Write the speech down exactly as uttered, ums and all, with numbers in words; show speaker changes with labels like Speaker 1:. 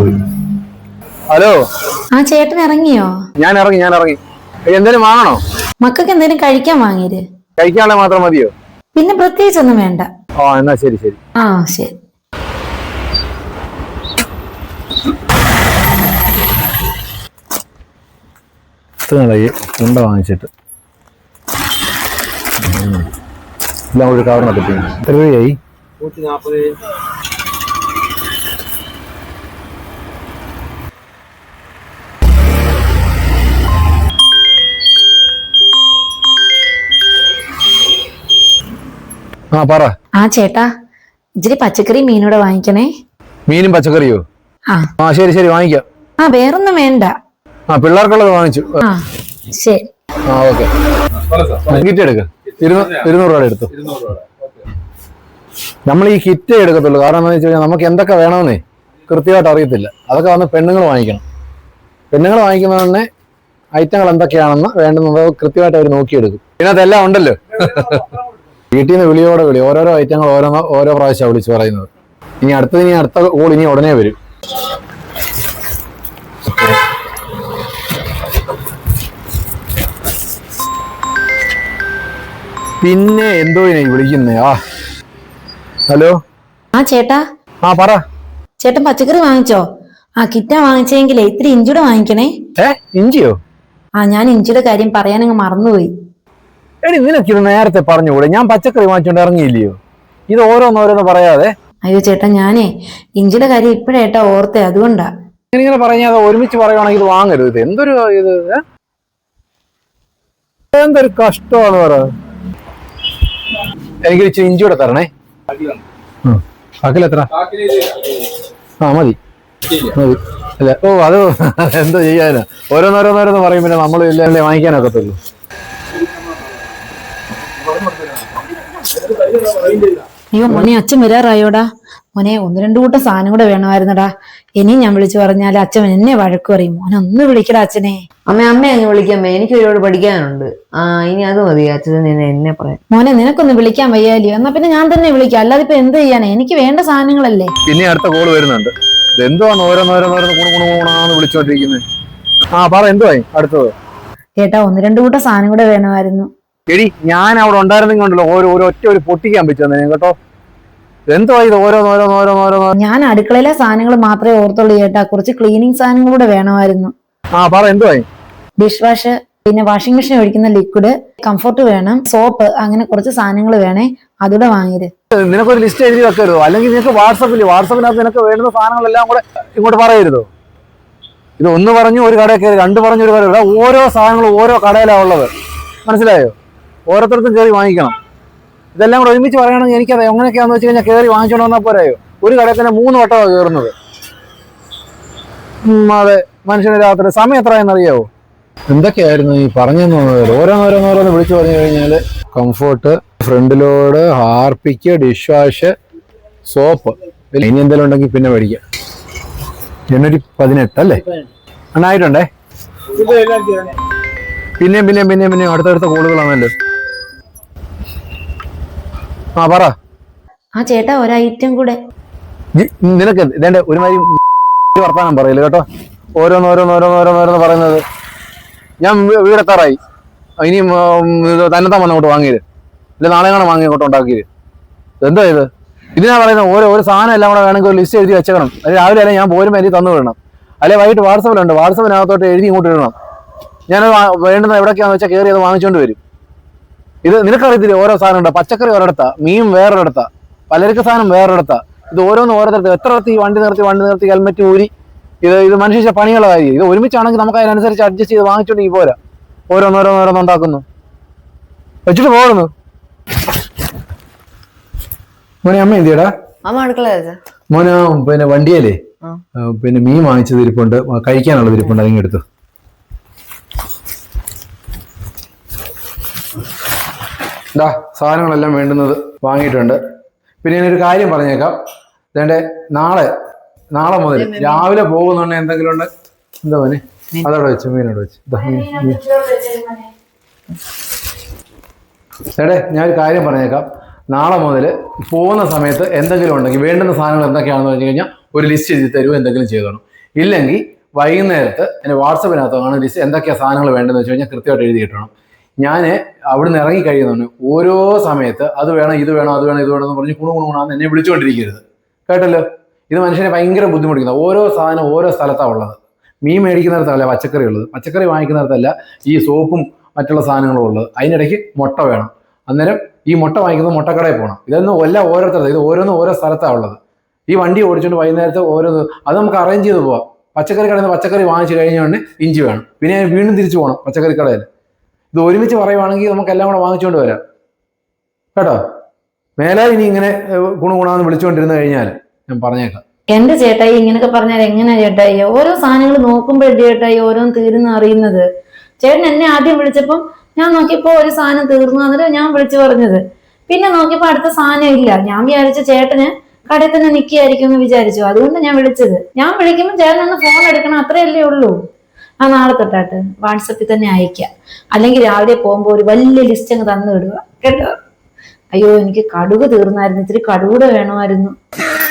Speaker 1: Hello.
Speaker 2: ആ ചേട്ടൻ ഇറങ്ങിയോ?
Speaker 1: ഞാൻ ഇറങ്ങി ഞാൻ ഇറങ്ങി എന്തേലും വാങ്ങണോ?
Speaker 2: മക്കൾക്ക് എന്തേലും കഴിക്കാൻ വാങ്ങിയത്?
Speaker 1: കഴിക്കാനുള്ള മാത്രം മതിയോ?
Speaker 2: പിന്നെ പ്രത്യേകിച്ച് ഒന്നും വേണ്ട.
Speaker 1: ആ എന്നാ ശരി ശരി.
Speaker 2: ആ ശരി.
Speaker 1: ഉണ്ട വാങ്ങിച്ചിട്ട് എല്ലാം ഒരു കവറിനകത്ത് എത്ര രൂപയായി? നൂറ്റി നാൽപ്പത്. ആ പറ.
Speaker 2: ആ ചേട്ടാ ഇച്ചിരി പച്ചക്കറി മീനൂടെ വാങ്ങിക്കണേ.
Speaker 1: മീനും പച്ചക്കറിയോ?
Speaker 2: ആ
Speaker 1: ആ ശരി ശരി വാങ്ങിക്കാം.
Speaker 2: ആ വേറൊന്നും വേണ്ട.
Speaker 1: ആ പിള്ളേർക്കുള്ളത് വാങ്ങിച്ചു.
Speaker 2: ആ ശരി.
Speaker 1: ആ ഓക്കെ. കിറ്റ് എടുക്ക. ഇരുന്നൂറ് രൂപ എടുത്തു. നമ്മൾ ഈ കിറ്റ് എടുക്കത്തുള്ളൂ. കാരണം എന്താ വെച്ച് കഴിഞ്ഞാൽ നമുക്ക് എന്തൊക്കെ വേണമെന്നേ കൃത്യമായിട്ട് അറിയത്തില്ല. അതൊക്കെ വന്ന് പെണ്ണുങ്ങൾ വാങ്ങിക്കണം. പെണ്ണുങ്ങൾ വാങ്ങിക്കുന്ന തന്നെ ഐറ്റങ്ങൾ എന്തൊക്കെയാണെന്ന് വേണ്ടുന്നത് കൃത്യമായിട്ട് അവർ നോക്കിയെടുക്കും. പിന്നെ അതെല്ലാം ഉണ്ടല്ലോ. വീട്ടിൽ നിന്ന് വിളിയോടെ വിളി ഓരോരോ ഐറ്റങ്ങൾ ഓരോന്നോ ഓരോ പ്രാവശ്യമാണ് വിളിച്ച് പറയുന്നത്. ഇനി അടുത്തത് ഇനി അടുത്ത കോൾ ഇനി ഉടനെ വരും. പിന്നെ എന്തോ വിളിക്കുന്നേ. ആ ഹലോ.
Speaker 2: ആ ചേട്ടാ.
Speaker 1: ആ പറ.
Speaker 2: ചേട്ടൻ പച്ചക്കറി വാങ്ങിച്ചോ? ആ കിറ്റാ വാങ്ങിച്ചെങ്കിലേ ഇത്തിരി ഇഞ്ചിയുടെ വാങ്ങിക്കണേ.
Speaker 1: ഏ ഇഞ്ചിയോ?
Speaker 2: ആ ഞാൻ ഇഞ്ചിയുടെ കാര്യം പറയാനങ്ങ് മറന്നുപോയി.
Speaker 1: എടി നിനക്ക് ഇത് നേരത്തെ പറഞ്ഞുകൂടെ? ഞാൻ പച്ചക്കറി വാങ്ങിച്ചോണ്ട് ഇറങ്ങിയില്ലയോ? ഇത് ഓരോന്നോരോന്ന് പറയാതെ.
Speaker 2: അയ്യോ ചേട്ടാ ഞാനേ ഇഞ്ചിയുടെ കാര്യം ഇപ്പഴേട്ടാ ഓർത്തേ, അതുകൊണ്ടാ.
Speaker 1: ഇങ്ങനെ പറഞ്ഞാൽ ഒരുമിച്ച് പറയുവാണെങ്കിൽ ഇത് വാങ്ങരുത്. ഇത് എന്തൊരു ഇത് എന്തൊരു കഷ്ടമാണ് പറ. എനിക്ക് ഇച്ചിരി ഇഞ്ചിയുടെ തരണേ. കാക്കിലെത്ര? ആ മതി മതി. അല്ല ഓ അത് എന്തോ ചെയ്യാനാ? ഓരോന്നോരോന്നോരോന്ന് പറയുമ്പോൾ നമ്മൾ ഇല്ലേ വാങ്ങിക്കാനൊക്കത്തുള്ളൂ.
Speaker 2: അയ്യോ മോനെ അച്ഛൻ വരാറായോടാ. മോനെ ഒന്ന് രണ്ടു കൂട്ടം സാധനം കൂടെ വേണമായിരുന്നടാ. ഇനിയും ഞാൻ വിളിച്ചു പറഞ്ഞാൽ അച്ഛൻ എന്നെ വഴക്ക് പറയും. മോനെ ഒന്ന് വിളിക്കടാ അച്ഛനെ.
Speaker 3: അമ്മ അമ്മ അങ്ങ് വിളിക്കാമ്മേ, എനിക്ക് ഒരുപാട് പഠിക്കാനുണ്ട്. ആ ഇനി അത് മതി അച്ഛൻ എന്നെ പറയാം.
Speaker 2: മോനെ നിനക്കൊന്ന് വിളിക്കാൻ വയ്യാലിയോ? എന്നാ പിന്നെ ഞാൻ തന്നെ വിളിക്കാം. അല്ലാതെ ഇപ്പൊ എന്ത് ചെയ്യാനാ? എനിക്ക് വേണ്ട സാധനങ്ങളല്ലേ.
Speaker 1: പിന്നെ അടുത്ത കോള് വരുന്നുണ്ട്. ഇതെന്തുവാന്ന് ഓരോന്നോരോന്നോരോന്ന് കുണുകുണുകുണാന്ന് വിളിച്ചോണ്ടിരിക്കുന്നത്. ആ പറ എന്തുവായി അടുത്തത്?
Speaker 2: ചേട്ടാ ഒന്ന് രണ്ടു കൂട്ടം സാധനം കൂടെ വേണമായിരുന്നു.
Speaker 1: എടി ഞാൻ അവിടെ ഉണ്ടായിരുന്നെങ്കിലോ ഓരോ ഒരു ഒറ്റ ഒരു പൊട്ടിക്കാൻ പറ്റുമെന്ന് കേട്ടോ. എന്തോ ഇത് ഓരോന്നോരോന്നോരോന്നോരോന്നോ.
Speaker 2: ഞാൻ അടുക്കളയിലെ സാധനങ്ങൾ മാത്രമേ ഓർത്തുള്ളൂ ചേട്ടാ. കുറച്ച് ക്ലീനിങ് സാധനങ്ങൾ കൂടെ വേണമായിരുന്നു.
Speaker 1: ആ പറ എന്തുവായി?
Speaker 2: ഡിഷ് വാഷ്, പിന്നെ വാഷിംഗ് മെഷീൻ ഒഴിക്കുന്ന ലിക്വിഡ്, കംഫർട്ട് വേണം, സോപ്പ്, അങ്ങനെ കുറച്ച് സാധനങ്ങൾ വേണേ. അതുകൂടെ വാങ്ങിയത്.
Speaker 1: നിനക്കൊരു ലിസ്റ്റ് എഴുതി വെക്കരുതോ? അല്ലെങ്കിൽ നിനക്ക് വാട്സപ്പിൽ വാട്സപ്പിനകത്ത് നിനക്ക് വേണ്ടുന്ന സാധനങ്ങളെല്ലാം കൂടെ ഇങ്ങോട്ട് പറയരുതോ? ഇത് ഒന്ന് പറഞ്ഞു ഒരു കടയിൽ കയറി, രണ്ട് പറഞ്ഞു ഒരു കട. ഓരോ സാധനങ്ങളും ഓരോ കടയിലാണ് ഉള്ളത്. മനസ്സിലായോ? ഓരോരുത്തർക്കും കയറി വാങ്ങിക്കണം. ഇതെല്ലാം കൂടെ ഒരുമിച്ച് പറയുകയാണെങ്കിൽ എനിക്കറിയാം എങ്ങനെയൊക്കെയാണെന്ന് വെച്ച് കഴിഞ്ഞാൽ കയറി വാങ്ങിച്ചോണ്ട് വന്നാൽ പോരായോ? ഒരു കടയിൽ തന്നെ മൂന്ന് വട്ടമാണ് കയറുന്നത്. അതെ മനുഷ്യന് രാത്രി സമയം എത്രയെന്നറിയാവോ? എന്തൊക്കെയായിരുന്നു ഈ പറഞ്ഞെന്ന് തോന്നുന്നത്? ഓരോന്നോരോന്നോരോന്ന് വിളിച്ചു പറഞ്ഞു കഴിഞ്ഞാൽ Comfort, front load, Harpic, dish wash, soap. ഇനി എന്തെങ്കിലും ഉണ്ടെങ്കിൽ പിന്നെ മേടിക്കാം. എണ്ണൂറ്റി പതിനെട്ട് അല്ലേ എണ്ണായിട്ടുണ്ടേ. പിന്നെയും പിന്നെയും പിന്നെയും പിന്നെയും അടുത്തടുത്ത കോളുകളാണല്ലോ. ആ പറ.
Speaker 2: ആ ചേട്ടാ ഒരു ഐറ്റം കൂടെ.
Speaker 1: നിനക്ക് ഇതേണ്ട ഒരുമാതിരി വർത്താനം പറയില്ല കേട്ടോ. ഓരോന്നോരോന്നോരോന്നോരോന്നോരോന്ന് പറയുന്നത്. ഞാൻ വീടെത്താറായി. ഇനിയും തന്നെത്താൻ വന്ന് അങ്ങോട്ട് വാങ്ങിയത് ഇല്ല, നാളെ കാണാൻ വാങ്ങി അങ്ങോട്ട് ഉണ്ടാക്കിയത്. എന്താ ഇത്? ഇതിനാ പറയുന്നത് ഓരോ ഒരു സാധനം എല്ലാം കൂടെ വേണമെങ്കിൽ ഒരു ലിസ്റ്റ് എഴുതി വെച്ചേക്കണം. അത് രാവിലെ അല്ലെങ്കിൽ ഞാൻ പോരുമ്പോൾ എനിക്ക് തന്നു വിടണം. അല്ലെങ്കിൽ വൈകിട്ട് വാട്സപ്പിലുണ്ട്, വാട്സപ്പിനകത്തോട്ട് എഴുതി ഇങ്ങോട്ട് ഇടണം. ഞാനത് വേണ്ടുന്ന എവിടേക്കാന്ന് വെച്ചാൽ കയറി അത് വാങ്ങിച്ചുകൊണ്ട് വരും. ഇത് നിനക്കറിയത്തില്ല ഓരോ സാധനം ഉണ്ടോ? പച്ചക്കറി ഒരിടത്താ, മീൻ വേറൊരിടത്താ, പലചരക്ക് സാധനം വേറൊരിടത്താ. ഇത് ഓരോന്ന് ഓരോരുത്തർ എത്ര ഇടത്ത് ഈ വണ്ടി നിർത്തി വണ്ടി നിർത്തി ഹെൽമെറ്റ് ഊരി ഇത് ഇത് മനുഷ്യ പണിയുള്ള കാര്യം. ഇത് ഒരുമിച്ചാണെങ്കിൽ നമുക്ക് അതിനനുസരിച്ച് അഡ്ജസ്റ്റ് ചെയ്ത് വാങ്ങിച്ചോണ്ട് ഈ പോരാ. ഓരോന്നോരോന്നോരോന്ന് ഉണ്ടാക്കുന്നു വെച്ചിട്ട് പോകുന്നു. മോനെ അമ്മ എന്തിയടാ?
Speaker 3: അമ്മ അടുക്കള
Speaker 1: മോനെ പിന്നെ വണ്ടിയല്ലേ പിന്നെ മീൻ വാങ്ങിച്ചത് ഇരിപ്പുണ്ട്, കഴിക്കാനുള്ളത് ഇരിപ്പുണ്ട്, അതിങ്ങ് എടുത്തു. ഇതാ സാധനങ്ങളെല്ലാം വേണ്ടുന്നത് വാങ്ങിയിട്ടുണ്ട്. പിന്നെ ഞാനൊരു കാര്യം പറഞ്ഞേക്കാം. ഇതേണ്ട നാളെ നാളെ മുതൽ രാവിലെ പോകുന്നുണ്ട് എന്തെങ്കിലും ഉണ്ട്. എന്താ മോനെ അതവിടെ വെച്ചു, മീനോട് വെച്ച്. ചേട്ടേ ഞാനൊരു കാര്യം പറഞ്ഞേക്കാം. നാളെ മുതൽ പോകുന്ന സമയത്ത് എന്തെങ്കിലും ഉണ്ടെങ്കിൽ വേണ്ടുന്ന സാധനങ്ങൾ എന്തൊക്കെയാണെന്ന് പറഞ്ഞു കഴിഞ്ഞാൽ ഒരു ലിസ്റ്റ് എഴുതി തരുമോ, എന്തെങ്കിലും ചെയ്തോണം. ഇല്ലെങ്കിൽ വൈകുന്നേരത്ത് എൻ്റെ വാട്സപ്പിനകത്ത് കാണുന്ന ലിസ്റ്റ് എന്തൊക്കെയാണ് സാധനങ്ങൾ വേണ്ടതെന്ന് വെച്ച് കഴിഞ്ഞാൽ കൃത്യമായിട്ട് എഴുതി കിട്ടണം. ഞാൻ അവിടെ നിന്ന് ഇറങ്ങി കഴിയുന്നതാണ് ഓരോ സമയത്ത് അത് വേണം ഇത് വേണം അത് വേണം ഇത് വേണം എന്ന് പറഞ്ഞ് കുണു കുണുകുണാന്ന് എന്നെ വിളിച്ചുകൊണ്ടിരിക്കരുത്. കേട്ടല്ലോ? ഇത് മനുഷ്യനെ ഭയങ്കര ബുദ്ധിമുട്ടിക്കുന്നത്. ഓരോ സാധനം ഓരോ സ്ഥലത്താണ് ഉള്ളത്. മീൻ മേടിക്കുന്നിടത്തല്ല പച്ചക്കറി ഉള്ളത്, പച്ചക്കറി വാങ്ങിക്കുന്നിടത്തല്ല ഈ സോപ്പും മറ്റുള്ള സാധനങ്ങളും ഉള്ളത്. അതിനിടയ്ക്ക് മുട്ട വേണം. അന്നേരം ഈ മുട്ട വാങ്ങിക്കുന്നത് മുട്ടക്കടയിൽ പോകണം. ഇതൊന്നും എല്ലാം ഓരോരുത്തരുടെ, ഇത് ഓരോന്നും ഓരോ സ്ഥലത്താണ് ഉള്ളത്. ഈ വണ്ടി ഓടിച്ചുകൊണ്ട് വൈകുന്നേരത്ത് ഓരോന്ന് അത് നമുക്ക് അറേഞ്ച് ചെയ്ത് പോവാം. പച്ചക്കറി കടയിൽ നിന്ന് പച്ചക്കറി വാങ്ങിച്ചു കഴിഞ്ഞുകൊണ്ട് ഇഞ്ചി വേണം, പിന്നെ വീണ്ടും തിരിച്ചു പോകണം പച്ചക്കറി കടയിൽ. ഇത് ഒരുമിച്ച് പറയുവാണെങ്കിൽ നമുക്ക് എല്ലാം കൂടെ വാങ്ങിച്ചുകൊണ്ട് വരാം. കേട്ടോ? മേലെ ഇനി ഇങ്ങനെ ഗുണഗുണാന്ന് വിളിച്ചുകൊണ്ടിരുന്ന് കഴിഞ്ഞാൽ ഞാൻ പറഞ്ഞേക്കാം.
Speaker 2: എന്റെ ചേട്ടായി ഇങ്ങനെയൊക്കെ പറഞ്ഞാൽ എങ്ങനെയാ ചേട്ടായി? ഓരോ സാധനങ്ങൾ നോക്കുമ്പോഴല്ലേ ചേട്ടായി ഓരോന്ന് തീരുന്ന അറിയുന്നത്. ചേട്ടൻ എന്നെ ആദ്യം വിളിച്ചപ്പം ഞാൻ നോക്കിയപ്പോ ഒരു സാധനം തീർന്നു, എന്നിട്ട് ഞാൻ വിളിച്ചു പറഞ്ഞത്. പിന്നെ നോക്കിയപ്പോ അടുത്ത സാധനം ഇല്ല. ഞാൻ വിചാരിച്ച ചേട്ടന് കടയിൽ തന്നെ നിൽക്കുകയായിരിക്കും എന്ന് വിചാരിച്ചു. അതുകൊണ്ട് ഞാൻ വിളിച്ചത്. ഞാൻ വിളിക്കുമ്പോൾ ചേട്ടൻ ഒന്ന് ഫോൺ എടുക്കണം, അത്രയല്ലേ ഉള്ളൂ. ആ നാളെ തൊട്ടാട്ട് വാട്സപ്പിൽ തന്നെ അയക്കാം. അല്ലെങ്കിൽ രാവിലെ പോകുമ്പോൾ ഒരു വലിയ ലിസ്റ്റ് അങ്ങ് തന്നു വിടുക കേട്ടോ. അയ്യോ എനിക്ക് കടുക് തീർന്നായിരുന്നു, ഇത്തിരി കടുകൂടെ വേണമായിരുന്നു.